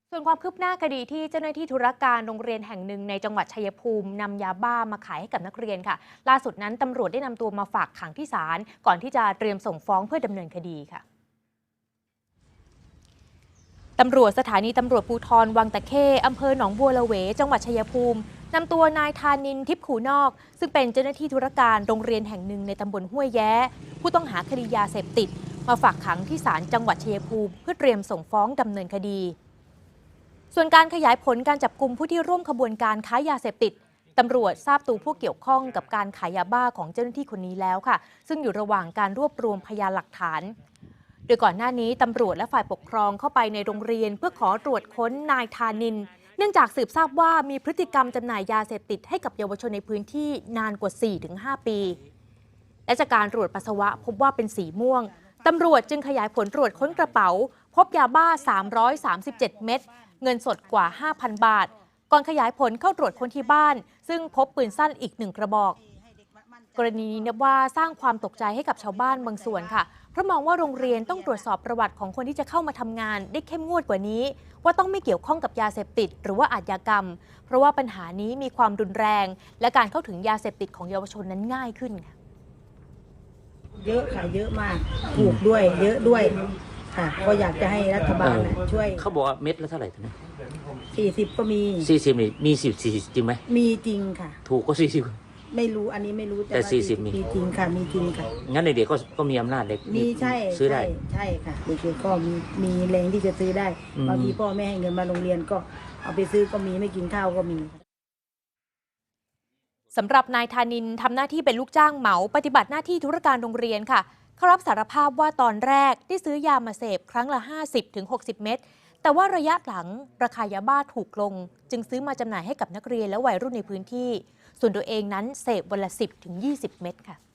ส่วนความคืบหน้าคดีที่เจ้าหน้าที่ธุรการโรงเรียนแห่งหนึ่งในจังหวัดชัยภูมินำยาบ้ามาขายให้กับนักเรียนค่ะล่าสุดนั้นตำรวจได้นำตัวมาฝากขังที่ศาลก่อนที่จะเตรียมส่งฟ้องเพื่อดำเนินคดีค่ะตำรวจสถานีตำรวจภูธรวังตะเข้อำเภอหนองบัวละเวจังหวัดชัยภูมินำตัวนายธานินทิพย์ขูนอกซึ่งเป็นเจ้าหน้าที่ธุรการโรงเรียนแห่งหนึ่งในตำบลห้วยแย้ผู้ต้องหาคดียาเสพติดมาฝากขังที่ศาลจังหวัดชัยภูมิเพื่อเตรียมส่งฟ้องดำเนินคดีส่วนการขยายผลการจับกุมผู้ที่ร่วมขบวนการค้ายาเสพติดตำรวจทราบตัวผู้เกี่ยวข้องกับการขายยาบ้าของเจ้าหน้าที่คนนี้แล้วค่ะซึ่งอยู่ระหว่างการรวบรวมพยานหลักฐานโดยก่อนหน้านี้ตำรวจและฝ่ายปกครองเข้าไปในโรงเรียนเพื่อขอตรวจค้นนายธานินเนื่องจากสืบทราบว่ามีพฤติกรรมจำหน่ายยาเสพติดให้กับเยาวชนในพื้นที่นานกว่า 4-5 ปีและจากการตรวจปัสสาวะพบว่าเป็นสีม่วงตำรวจจึงขยายผลตรวจค้นกระเป๋าพบยาบ้า337 เม็ดเงินสดกว่า 5,000 บาทก่อนขยายผลเข้าตรวจค้นที่บ้านซึ่งพบปืนสั้นอีก1 กระบอกกรณีนี้นับว่าสร้างความตกใจให้กับชาวบ้านบางส่วนค่ะเพราะมองว่าโรงเรียนต้องตรวจสอบประวัติของคนที่จะเข้ามาทำงานได้เข้มงวดกว่านี้ว่าต้องไม่เกี่ยวข้องกับยาเสพติดหรือว่าอาชญากรรมเพราะว่าปัญหานี้มีความรุนแรงและการเข้าถึงยาเสพติดของเยาวชนนั้นง่ายขึ้นค่ะเยอะค่ะเยอะมากถูกด้วยเยอะด้วยค่ะก็อยากจะให้รัฐบาลช่วยเขาบอกว่าเม็ดละเท่าไหร่ตอนนี้ 40ก็มี 40นี่มี40จริงไหมมีจริงค่ะถูกก็40 ไม่รู้อันนี้ไม่รู้แต่40มีจริงค่ะมีจริงค่ะงั้นเด็กๆก็มีอำนาจเด็กมีใช่ซื้อได้ใช่ค่ะเด็กๆก็มีแรงที่จะซื้อได้บางทีพ่อแม่ให้เงินมาโรงเรียนก็เอาไปซื้อก็มีไม่กินข้าวก็มีสำหรับนายธานินทำหน้าที่เป็นลูกจ้างเหมาปฏิบัติหน้าที่ธุรการโรงเรียนค่ะเขารับสารภาพว่าตอนแรกได้ซื้อยามาเสพครั้งละ 50-60 เม็ดแต่ว่าระยะหลังราคายาบ้าถูกลงจึงซื้อมาจำหน่ายให้กับนักเรียนและวัยรุ่นในพื้นที่ส่วนตัวเองนั้นเสพวันละ 10-20 เม็ดค่ะ